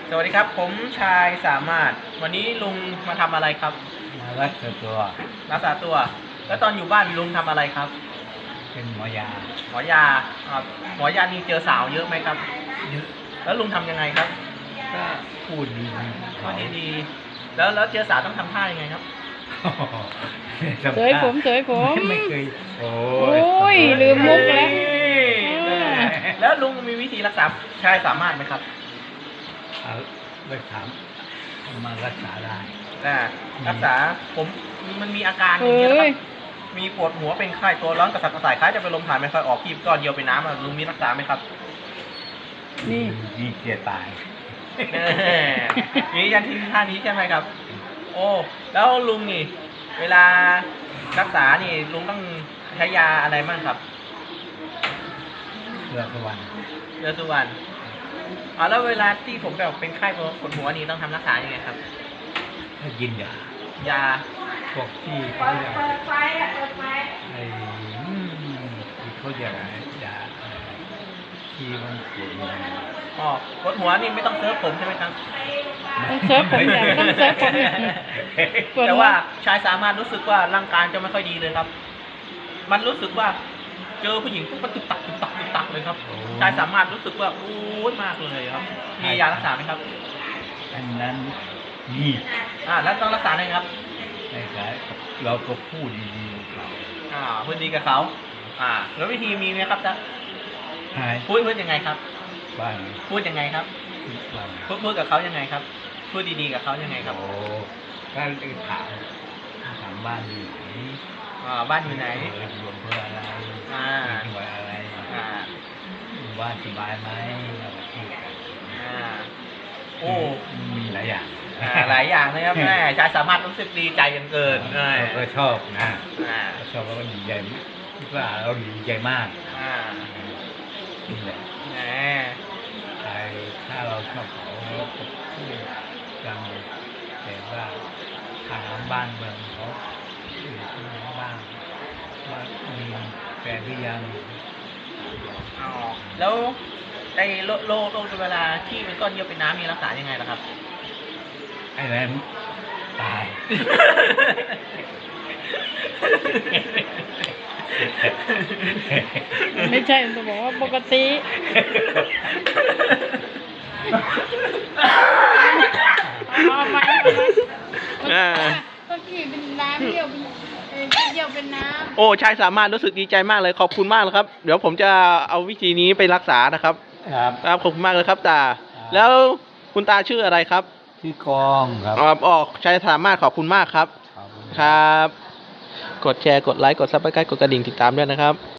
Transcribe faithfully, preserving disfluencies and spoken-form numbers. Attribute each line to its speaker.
Speaker 1: สวัสดีครับผมชายสามารถวันนี้ลุงมาทำอะไรครับ
Speaker 2: มารักษาตัว
Speaker 1: รักษาตัวแล้วตอนอยู่บ้านลุงทำอะไรครับ
Speaker 2: เป็นหมอยา
Speaker 1: หมอยาครับหมอยานี่เจอสาวเยอะไหมครับ
Speaker 2: เยอะ
Speaker 1: แล้วลุงทำยังไงครับ
Speaker 2: ก็พูดดี
Speaker 1: พูดดีๆแล้วแล้วเจอสาวต้องทำท่ายังไงครับ
Speaker 3: เสยผมเสยผม
Speaker 2: ไม่เคยโอ้
Speaker 3: ยลืมมุกแล้ว
Speaker 1: แล้วลุงมีวิธีรักษาชายสามารถไหมครับ
Speaker 2: เอาไปถามมารักษาได้
Speaker 1: อ่ารักษาผมมันมีอาการอย่างนี้นะครับมีปวดหัวเป็นไข้ตัวร้อนกระสับกระส่ายคล้ายจะเป็นลมถ่ายไม่ค่อยออกพีบก้อนเดียวเป็นน้ำลุงมีรักษาไหมครับ
Speaker 3: นี่
Speaker 2: มีเกียตาย
Speaker 1: นี่ยันที่ท่านี้ใช่ไหมครับโอ้แล้วลุงนี่เวลารักษานี่ลุงต้องใช้ยาอะไรบ้างครับ
Speaker 2: เรือสุวรรณ
Speaker 1: เรือสุวรรณอ๋อแล้วเวลาที่ผมแบบเป็นไข้ปวดหัวนี่ต้องทำรักษายังไงครับ
Speaker 2: ให้กินยาย
Speaker 1: า
Speaker 2: พวกที่เขาอยากไอ้ที่เขาอยากยาที่มันปวดหัว
Speaker 1: อ๋อปวดหัวนี่ไม่ต้องเซิร์ฟผมใช่ไหมครับ
Speaker 3: ต้องเซิร์ฟผมอย่างต้องเซิร์ฟผมอย่าง
Speaker 1: แต่ว่าชายสามารถรู้สึกว่าร่างกายจะไม่ค่อยดีเลยครับมันรู้สึกว่าเจอผู้หญิงปุ๊บมันตุกตักตุกตักตุกตักเลยครับชายสามารถรู้สึกว่าอู้ยมากเลยครับมียารักษาไหมครับ
Speaker 2: อันนั้นมี
Speaker 1: อ่าแล้วต้องรักษาไงครับ
Speaker 2: ใช่ครับเราก็พูดดีๆกับเขา
Speaker 1: อ่าพูดดีกับเขาอ่าแล้ววิธีมีไหมครับจ๊ะพูดพูดยังไงครับ
Speaker 2: บ้าน
Speaker 1: พูดยังไงครับพูดพูดกับเขายังไงครับพูดดีๆกับเขายังไงครับ
Speaker 2: โอ้ก็ถามถามบ้านอยู่ไหน
Speaker 1: อ่าบ้านอยู่ไหน
Speaker 2: รวมเพื่ออะไร
Speaker 1: อ่า
Speaker 2: จังหวัดอะไร
Speaker 1: อ่า
Speaker 2: บ้านสบายไหมเราพูดกัน
Speaker 1: อ่าโอ้
Speaker 2: มีหลายอย่าง
Speaker 1: หลายอย่างนะครับแม่ชายสามารถรู้สึกดีใจกันเกิน
Speaker 2: เราก็ชอบนะชอบแล้วก็ดีใจว่าเราดีใจมาก
Speaker 1: อ่า
Speaker 2: นี่แหละใครถ้าเราชอบเขาเราก็พูดกันแต่ว่าทางบ้านเมืองเขาอยู่ที่ไหนบ้างว่ามีแฟนหรือยัง
Speaker 1: อ๋อแล้วในโรคโรคโรคเวลาที่เป็นก้อนเยื่อเป็นน้ำมีรักษายังไงล่ะครับ
Speaker 2: ไอ้นั้นตาย
Speaker 3: ไม่ใช่จะบอกว่าปกติเอาไปก็กี่เป็นน้ำเยี่ยวเป็นเยี่ยวเป็นน้ำ
Speaker 1: โอ้ชายสามารถรู้สึกดีใจมากเลยขอบคุณมากเลยครับเดี๋ยวผมจะเอาวิธีนี้ไปรักษานะครับ
Speaker 2: ครับ
Speaker 1: ครับขอบคุณมากเลยครับตาแล้วคุณตาชื่ออะไรครับ
Speaker 2: ชื่อกองครับ
Speaker 1: ออกชายสามารถขอบคุณมากครับครับกดแชร์กดไลค์กดซับสไครบ์กดกระดิ่งติดตามด้วยนะครับ